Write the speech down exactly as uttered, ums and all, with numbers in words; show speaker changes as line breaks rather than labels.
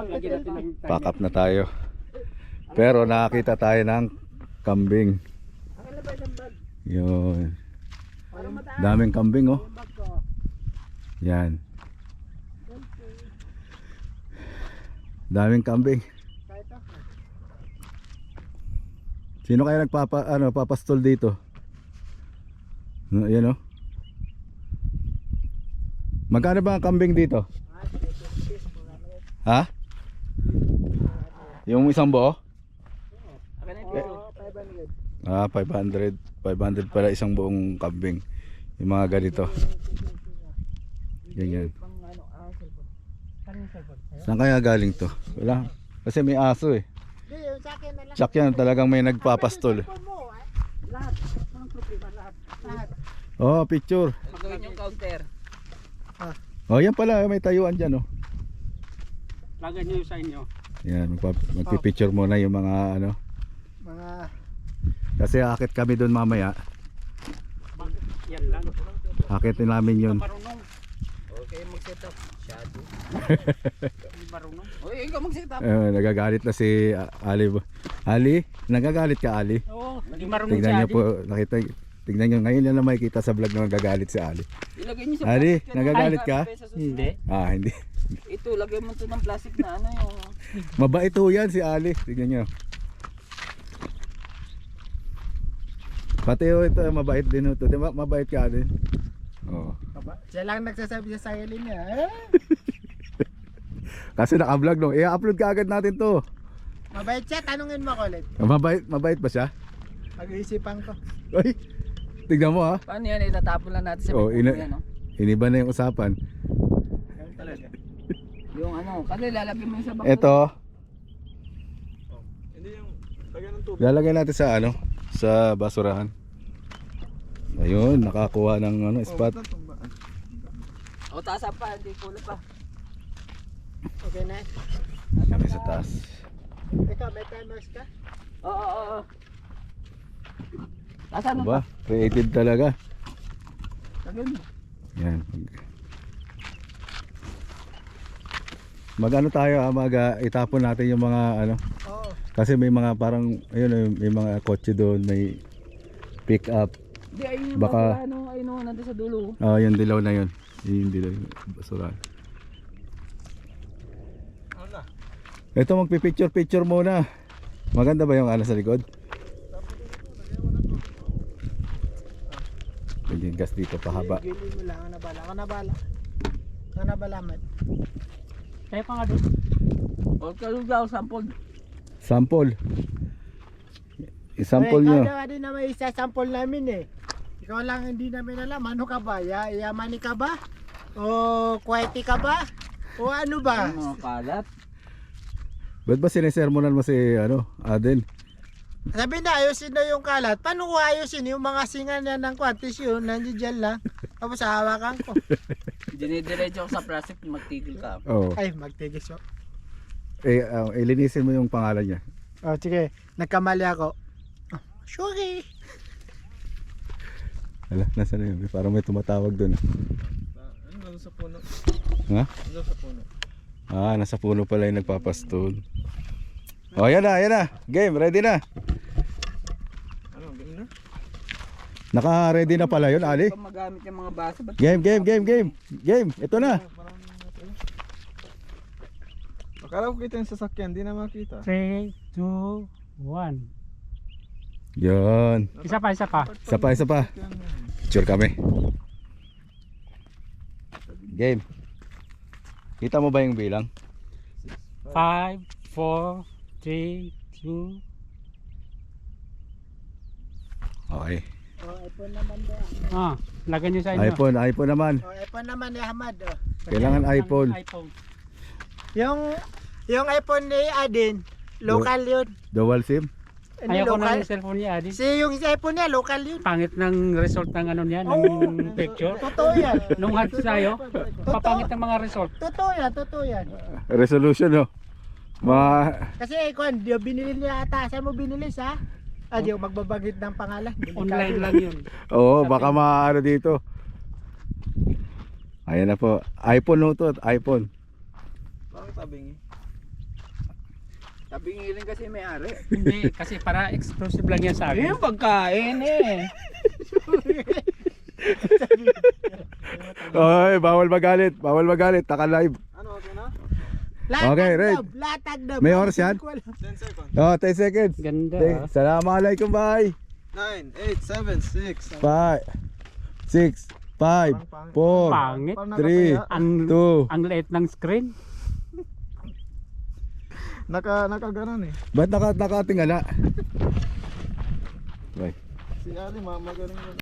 Pack up na tayo. Pero nakakita tayo ng kambing. Yun. Daming kambing oh. Yan. Daming kambing. Sino kaya nagpapa ano papastol dito? No, yan oh. Magkano ba ang kambing dito? Ha? Yung isang buo? Ah, five hundred. five hundred pala isang buong kambing. Yung mga ganito. Ganyan. Saan kaya galing to? Wala. Kasi may aso eh. Tsak yan, talagang may nagpapastol. Oh, picture.
Magawin yung counter.
Oh, yan pala, may tayuan dyan oh.
Lagay nyo sa inyo.
Yan, magpipicture muna yung mga ano.
Mga
Kasi akit kami doon mamaya.
Yan lang.
Akitin namin yun.
Marunong.
Okay, mag-set up. Shadow.
Hindi marunong.
Uy, ikaw mag-set up.
Eh, nagagalit na si uh, Ali. Ali, nagagalit ka Ali?
Oo, hindi marunong
Tingnan
si
niyo
Adi.
po, nakita, tingnan niyo ngayon yan na makikita sa vlog na nagagalit si Ali.
Ilagay niyo sa
Ali,
plastic yan.
nagagalit
Ay,
ka?
sa susunod.
Hindi.
Ah, hindi.
Ito, lagay mo ito ng plastic na ano yung...
Mabait ho yan si Ali. Tingnan niyo. Pati ho ito, mabait din ho ito. Diba, mabait ka din. Oh.
siya lang nagsasabi sa sarili niya. Eh,
Kasi naka-vlog no. I-upload ka agad natin to.
mabait siya, tanungin mo ko ulit.
Mabait, mabait ba siya?
Pag-iisipan ko.
Ay, tignan mo ha.
Paano yan? Itatapon lang natin sa
Oh,
may
ina-
yan, no?
Iniba na yung usapan.
Ganun talaga.
Yung ano, kasi lalagyan mo yung sa bako.
Ito,
Hindi yung lagyan ng tubig.
lalagay natin sa ano, sa basurahan. Ayun, nakakuha ng ano, spot.
O, taas pa, hindi kulo pa.
Okay na.
Kami sa taas.
Ikaw, may timers ka?
Oo, oo, oo. Taas ano
Diba?
pa?
Creative talaga.
Lagyan mo.
Yan. Mag-ano tayo, ah, mag ah, itapon natin yung mga ano.
Oo.
Kasi may mga parang, ayun, may mga kotse doon, may pick up.
Hindi, ayun yung
Baka-
basura, ano, ayun o, nandun sa dulo.
Ah, yung dilaw na yun. Yung dilaw, yung basurahan.
Ano?
Ito, magpipicture-picture muna. Maganda ba yung ano sa likod? Pwede yung gas dito pahaba.
Gili mo lang, ako nabala. Ako nabala. Ako nabala, Matt.
Kaya pa nga doon.
O, kalug daw, sample.
Sample. I-sample
Uy,
nyo.
ikaw daw din na may isa-sample namin eh. Ikaw lang hindi namin alam. Ano ka ba? Ya yamani ka ba? O quiety ka ba? O ano ba?
Ano, kalat.
Ba't ba sinesermonan mo si ano, Aden?
Sabi na ayusin na yung kalat. Paano ko ayusin yung mga singa niya ng kwantis yun? Nandiyan dyan lang. Tapos hawakan ko.
Dinidiretso ko sa plastic, magtigil ka.
Oo.
Ay, magtigis ko.
Eh, uh, ilinisin mo yung pangalan niya.
O sige, nagkamali ako. Oh, sorry.
Hala, nasa na yun? Parang may tumatawag doon.
Ano sa puno?
Ha?
Ano sa puno?
Ah, nasa puno pala yung nagpapastol. Oh, yan na, yan na. Game, ready na.
Ano, ganun na?
Naka-ready na pala yun, Ali.
Kung magamit yung mga baso, ba't
Game, game, game, game. Game, ito na.
Parang akala ko kita yung sasakyan, di na makita.
three, two, one.
Yun.
Isa pa, isa pa.
Isa pa, isa pa. Picture kami. Game. Kita mo ba yung bilang?
five, four, three, two.
Okay.
O, iPhone naman daw.
Ah, lagyan nyo sa inyo.
iPhone, iPhone naman.
O, iPhone naman ni Ahmad. O.
Kailangan iPhone.
iPhone.
Yung, yung iPhone ni Adin, local yun.
Dual SIM.
Hindi
Ayoko na
local.
yung cellphone niya, Adi.
Si yung iPhone niya, local yun.
Pangit ng result ng ano niya, ng picture.
Totoo yan.
Nung hats tayo, papangit ng mga result.
Totoo yan, totoo yan.
Resolution, no? Mga...
Kasi Kwan, di binili niya ata. Saan mo binili sa? Ah, di ako magbabagit ng pangalan.
Online lang yun.
Oo, baka maano dito. Ayan na po. iPhone no to, iPhone.
Bakit tabingi?
Tabingi rin kasi may ari.
Hindi, kasi para exclusive lang yan sa akin.
Yung pagkain eh.
Oy, bawal magalit, bawal magalit, taka live.
Ano, okay na?
Latag
Okay, Red.
dab, latag dab.
May oras yan?
ten seconds.
Oh, ten seconds.
Ganda.
Okay,
ah.
Assalamualaikum, bye.
nine, eight, seven, six.
Five, six, five, four,
Pangit.
three,
Ang,
two.
ang liit ng screen.
Naka, naka ganon eh.
Ba't naka, nakatingala? Bye.
Si Ali, ma magaling yun.